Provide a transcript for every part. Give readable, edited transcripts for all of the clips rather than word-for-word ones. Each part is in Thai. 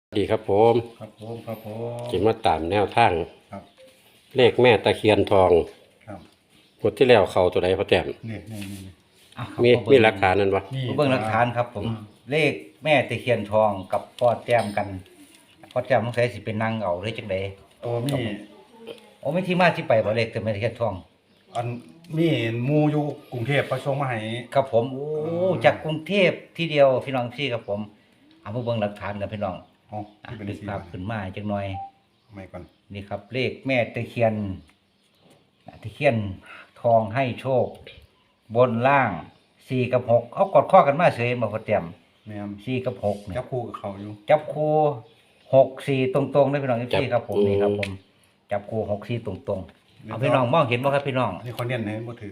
ดีครับผมครับผมจะมาตามแนวทางครับเลขแม่ตะเคียนทองครับงวดที่แล้วเขาตัวใดพอแต้มนี่อ่ะครับมีพ่อเบิ่งหลักฐานนั่นปะนี่เบิ่งหลักฐานครับผม เลขแม่ตะเคียนทองกับพ่อแต้มกันพ่อแต้มสงสัยสิเป็นนางเอาหรือจังได๋ตัวมีโอ้มีที่มาที่ไปบ่เลขแต่แม่ตะเคียนทองอันมีหมู่อยู่กรุงเทพประสงมาให้ครับผมโอ้จากกรุงเทพที่เดียวพี่น้องพี่ครับผมเอามาเบิ่งหลักฐานกันพี่น้องอ๋ออ่ะที่เป็นดึกสีภาพขึ้นมาจักหน่อยไม่ก่อนนี่ครับ เลขแม่ตะเคียนตะเคียนทองให้โชค บนล่าง4กับ6เอากดข้อกันมาเฉยบ่พ่อแต้มแม่น 4กับ6เนี่ยจับคู่กับเขาอยู่จับคู่6 4ตรงๆได้พี่น้องพี่ครับผมนี่ครับผมจับคู่6 4ตรงๆเอาพี่น้องมองเห็นบ่ครับพี่น้องอันนี้คนเน้นให้บ่ถือ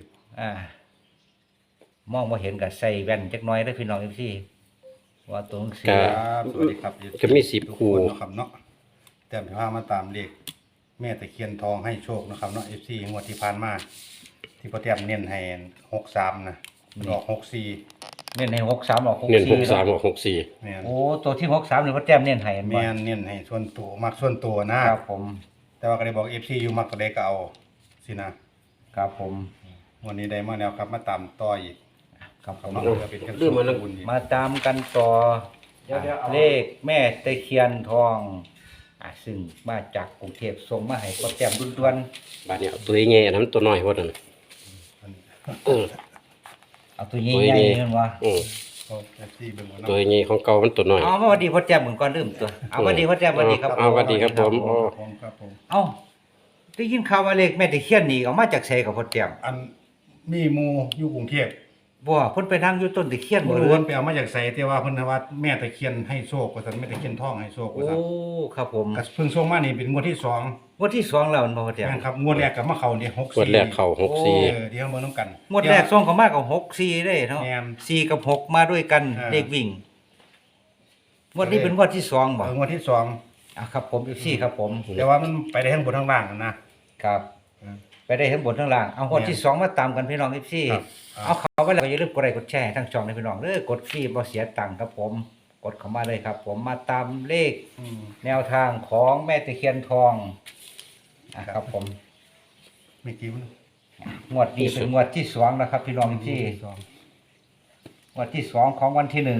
มองบ่เห็นก็ใส่แว่นจักหน่อยได้พี่น้องพี่ว่าตรงสีครับสวัสดีครับก็มี10 ทุกคู่คนนะครับเนาะแต่พามาตามเลขแม่ตะเคียนทองให้โชคนะครับเนาะ FC งวดที่ผ่านมาที่พ่อแต้มเน้นให้63นะมันออก64 เน้นให้63ออกเน้น 64 63ออก64 แม่นโอ้ตัวที่63นี่พ่อแต้มเน้นให้เห็นบ่แม่นเน้นให้ส่วนตัวมักส่วนตัวนะครับผมแต่ว่าก็ได้บอก FC อยู่มักตัวใดก็เอาสินะครับผมวันนี้ได้มาแล้วครับมาตามต่ออีกครับผมเนาะก็เป็นกันเรื่องมันบุญอีกมาตามกันต่อเลขแม่ตะเคียนทองซึ่งมาจากกรุงเทพส่งมาให้พ่อแต้มด่วนบาดนี้เอาตัวใหญ่อันนั้นตัวน้อยพอนั่นเออๆเอาตัวใหญ่ตัวๆใหญ่นี่มันว่าอือเอาแท็กซี่เบิ่งบ่ตัวเนาะใหญ่ของเก่ามันตัวน้อยเอามาสวัสดีพ่อแจ่มเหมือนก่อนลืมตัวเอาสวัสดีพ่อแจ่มสวัสดีครับเอาสวัสดีครับผมครับผมเอาได้ยินข่าวว่าเลขแม่ตะเคียนนี่เอามาจากไสกับพ่อแจ่มอันมีหมู่อยู่กรุงเทพบ่เพิ่นไปนั่งอยู่ต้นตะเคียนบ่บ่รู้รู้ว่าไปเอามาจากไสแต่ว่าเพิ่นว่าแม่ตะเคียนให้โชคว่าซั่นแม่ตะเคียนทองให้โชคว่าโอ้ซั่นครับผมก็เพิ่งส่งมานี่เป็นงวดที่สองงวดที่2แล้วมันบ่พ่อแจ่มแม่นครับงวดแรกก็มาเข้านี่64 งวดแรกเข้าเออเดี๋ยวเบิ่งนํกันงวดแรกส่งเข้ามาก็6 4ได้เนาะแม่น 4กับ6มาด้วยกันอ่าเลขวิ่งงวดนี้เป็นงวดที่2บ่งวดที่สองครับผมFC ครับผมแต่ว่ามันไปได้ทั้งบนทั้งล่างนะครับไปได้ทั้งบนทั้งล่างเอางวดที่2มาตามกันพี่น้อง FC ครับเอาเข้าไปแล้วก็อย่าลืมกดไลค์กดแชร์ให้ทั้งช่องนะพี่น้องเด้อกดฟรีบ่เสียตังค์ครับผมกดเข้ามาเลยครับ ผมมาตามเลขอืมแนวทางของแม่ตะเคียนทองครับผมไม่กี่วันงวดนี้เป็นงวดที่2นะครับ พี่น้องที่สองงวดที่2ของวันที่1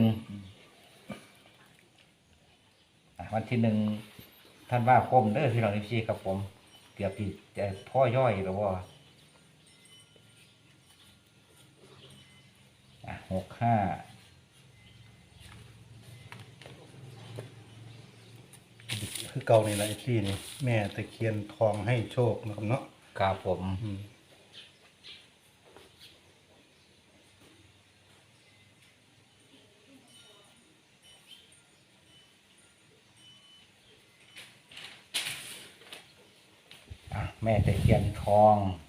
วันที่1ธันวาคมเด้อพี่น้องที่ครับผมเกือบที่จะพ่อย่อยแล้วว่า65 คือเก่านี่แหละไอ้ที่นี่แม่ตะเคียนทองให้โชคนะครับเนาะครับผมอืมแม่ตะเคียนทอง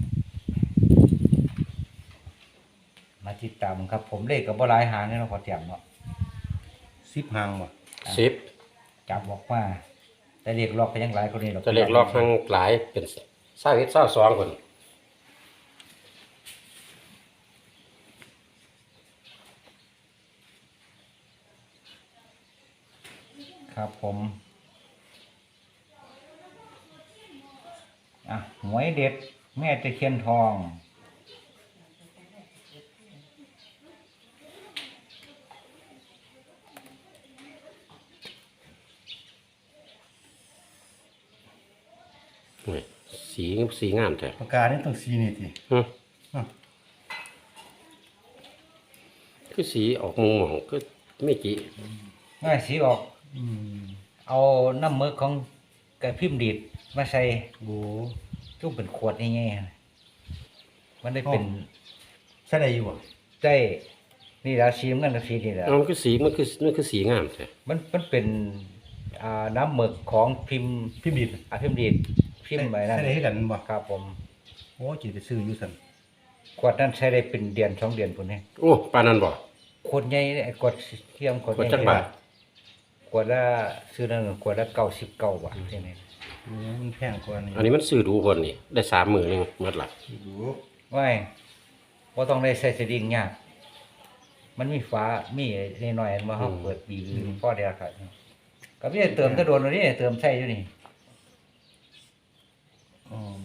มาติดตามครับ ผมเลขกับบ่หลายหางนี่เนาะพอเตรียมเนาะ 10หางบ่ 10 จับบอกว่าแต่เลขล็อกก็ยังหลายคนนี้หรอกจะเรียกลอกทั้งหลายเป็น21 22คนครับผมหวยเด็ดแม่ตะเคียนทองโอ้ยสีงามแท้ปากกานี่ต้องสีนี่ติฮะอ่ะคือสีออกมุมหมองคือไม่กี่ง่ายสีออกอืมเอาน้ำมือของกระพิมพ์ดีดมาใส่โอ้จุ่มเป็นขวดง่ายๆมันได้เป็นใช่ได้อยู่บ่ได้นี่แล้วสีมันกับสีนี่แหละเอามันคือสีงามแท้มันเป็นน้ำหมึกของพิมพ์พิมพ์ดิดพิมพ์ดีดพิมพ์ไปนั่นใช่ได้ให้กันบ่ครับผมโอ้จิไปซื้ออยู่ซั่นขวดนั้นใช้ได้เป็นเดือน2 เดือนพุ่นนี่โอ้ปานนั้นบ่ขวดใหญ่เนี่ยขวดเทียมขวดขวดใหญ่จักบาทขวดละซื้อนั่นขวดละ99 บาทที่นี่โอ้มันแพงกว่านี้อันนี้มันซื้อดูคนนี่ได้30,000นึงหมดละดูว่าบ่ต้องได้ใส่สลิงยากมันมีฝามีน้อยๆอันว่าเฮาเปิดบีพอได้ครับก็พี่เติมจะโดนนี่เติมใช่อยู่นี่อืม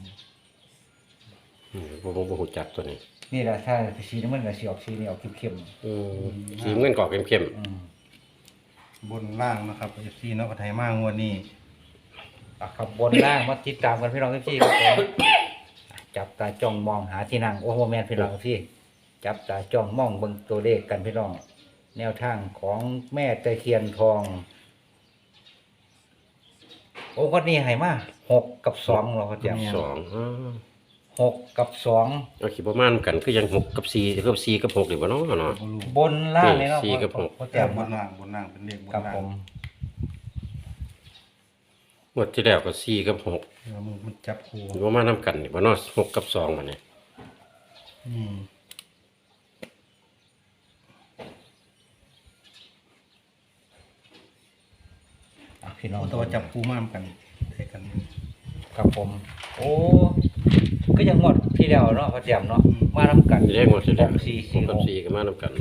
บ่ฮู้จักตัวนี้นี่แหละถ้าสีน้ำมันก็สีออกสีนี่ออกเข้มสีเงินกรอกเข้มๆอืมบนล่างนะครับ FC เนาะก็ไทยมางวดนี้ขับบนล่างมาติดตามกันพี่น้องพี่ครับผมจับตาจ้องมองหาที่นั่งโอ้โหแมนพี่น้องพี่จับตาจ้องมองเบิ่งตัวเลขกันพี่น้องแนวทางของแม่ตะเคียนทองโอ้คนนี้ให้มา6 กับ 2เราก็จะ 6 กับ 2 เอาคิดประมาณกันคือยัง6กับ4กับ4กับ6นี่บ่เนาะเนาะบ่รู้บนล่างเลยเนาะสี่กับหกพ่อแต่แต้มบนล่างเป็นเลขบนครับล่างผมงวดที่แล้วก็4กับ6 แล้วมันจับคู่บ่มานํกันนี่บ่เนาะ6กับ2บัดนี้อืมพี่น้องแต่ว่าจับคู่มามกันได้กันครับผม โอ้ก็ยังหมดที่แล้วเนาะพ่อแต้มเนาะมาทำกันนี่ได้งวดที่แล้ว 6 4 4 6กับ 6 4ก็มานํกัน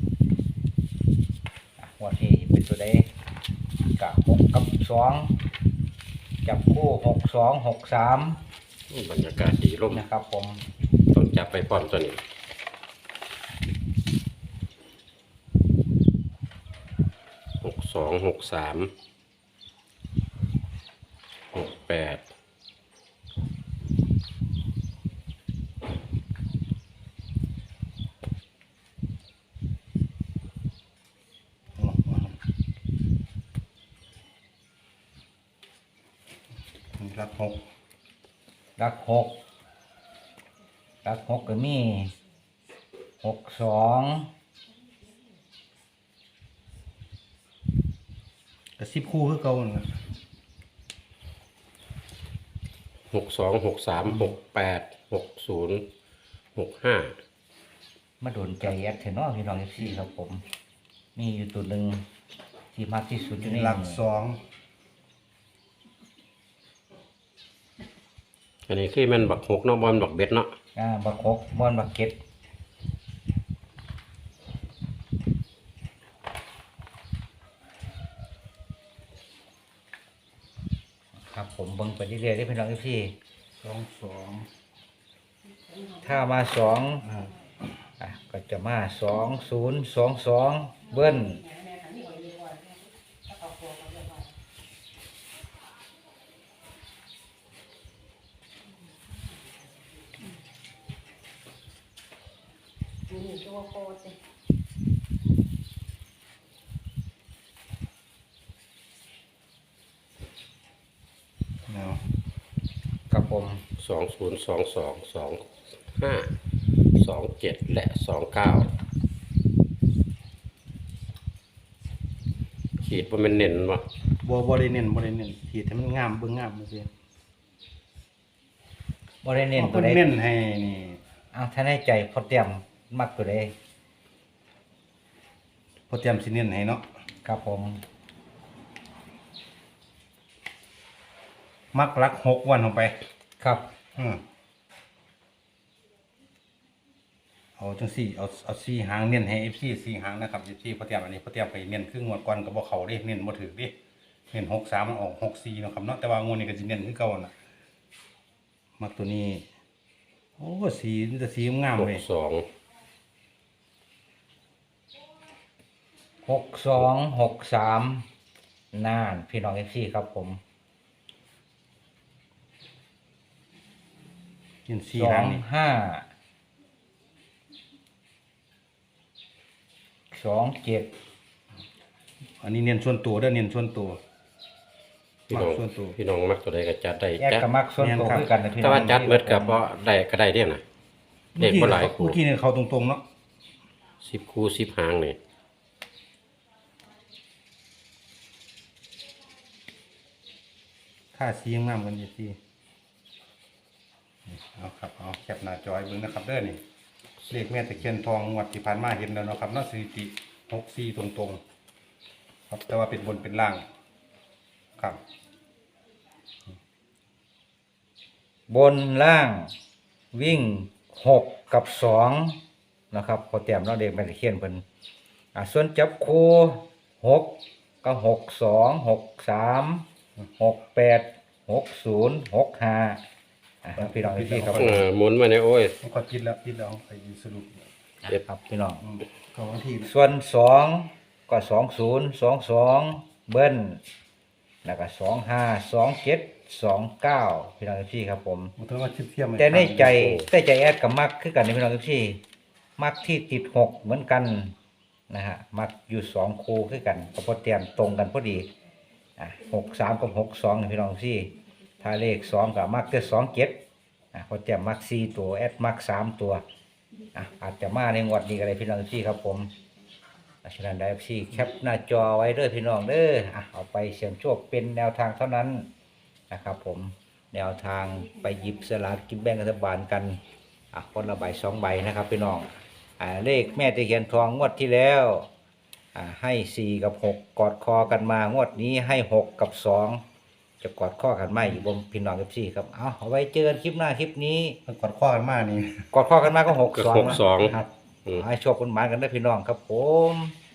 วันที่เป็นตัวใดกับ6 กับ 2 จับคู่6 2 6 3 บรรยากาศดีลมนะครับผมต้องจับไปพร้อมตัวนี้62 63 68 รับหกรัก6รัก6ก็มี6 2 กระซิบคู่คือเก่านั่นล่ะ 62 63 68 60 65 มาโดนใจแอดเทนอพี่น้องFCครับผม มีอยู่ตัวหนึ่งที่มากที่สุดอยู่ในหลักสองอันนี้คือแมันบัก6เนาะบ่แมันบักเบ็ดเนาะบัก6บอนบักเก็ตครับผมเบิ่งไปเรื่อยๆได้พี่น้องพี่สองสองถ้ามา2 อ่าก็จะมา2022เบิ้ลนี่ตัวโคตรเนาะครับผม 2022 25 27 และ 29 ขีดบ่แม่นเน้นบ่บ่ได้เน้นขีดให้มันงามเบิ่งงามซื่อบ่ได้เน้นเพิ่ตัวน ใดเน้นให้นี่ถ้าในใจพอเตรียมมักตัวใดพอเตรียมสิเน้นให้เนาะครับผมมักรักหกวันลงไปครับเอาจังสี่เอาสี่หางเน้นให้ FC สี่หางนะครับ FC พอเตรียมอันนี้พอเตรียมไปเน้นครึ่งงวดก่อนก็บ่เข้าเด้เน้นบ่ถูกเด้เน้น63มันออก64เนาะครับเนาะแต่ว่างวดนี้ก็สิเน้นคือเก่าน่ะมักตัวนี้ โอ้สีมันจะสีงามเว้ย 6263น่านพี่น้อง FC ครับผมเน้นสี่หางนี่ 25 27 อันนี้เน้นส่วนตัวเด้อเน้นส่วนตัวพี่น้องส่วนตัวพี่น้องมักตัวใดก็จัดได้แยกจัดกับมักส่วนตัวคือกันนะพี่น้แต่องว่าจัดเบิดก็บ่ได้ก็ได้เด้น่ะเด็กบ่หลายคู่เมื่อกี้เนี่ยเขาตรงๆเนาะ 10คู่10หางนี่ค่าสีงามกันอยู่ที่เอาครับเอาแคปหน้าจอยเบิ่งนะครับเด้อนี่เลขแม่ตะเคียนทองงวดที่ผ่านมาเห็นแล้วเนาะครับเนาะสถิติ64ตรงๆครับแต่ว่าเป็นบนเป็นล่างครับบนล่างวิ่ง6 กับ 2นะครับพอเตรียมเราเด็กแม่ตะเคียนเพิ่นส่วนจับคู่6 ก็62 63 68 60 65พี่น้องพี่ครับหมุนมาเนี่ยโอ้ยมันก็ปิดแล้วไปสรุปครับพี่น้องก็วันที่ส่วน2ก็20 22เบิ้ลแล้วก็25 27 29พี่น้องพี่ครับผมมันต้องว่าเทียมแต่ในใจแอดกับมักคือกันในพี่น้องพี่มักที่ติด6เหมือนกันนะฮะมักอยู่2คู่คือกันก็พอเตรียมตรงกันพอดี63กับ62นี่พี่น้องพี่ถ้าเลข2ก็มักจะ27พอเตรียมมัก4ตัวแอดมัก3ตัวอาจจะมาในงวดนี้ก็ได้พี่น้องพี่ครับผมฉะนั้นได้พี่แคปหน้าจอไว้เด้อพี่น้องเด้อเอาไปเสี่ยงโชคเป็นแนวทางเท่านั้นนะครับผมแนวทางไปหยิบสลากกินแบ่งรัฐบาลกันคนละใบ2ใบนะครับพี่น้องเลขแม่ตะเคียนทองงวดที่แล้วให้4กับ6กอดคอกันมางวดนี้ให้6กับ2จะกอดข้อกันไหมอยู่บนพี่น้องกับ4ครับเอาไว้เจอกันคลิปหน้าคลิปนี้มันกดข้อกันมากนี่กอดข้อกันมาก็ก็ 6 2 62 ครับให้โชคคุณหมายกันได้พี่น้องครับผม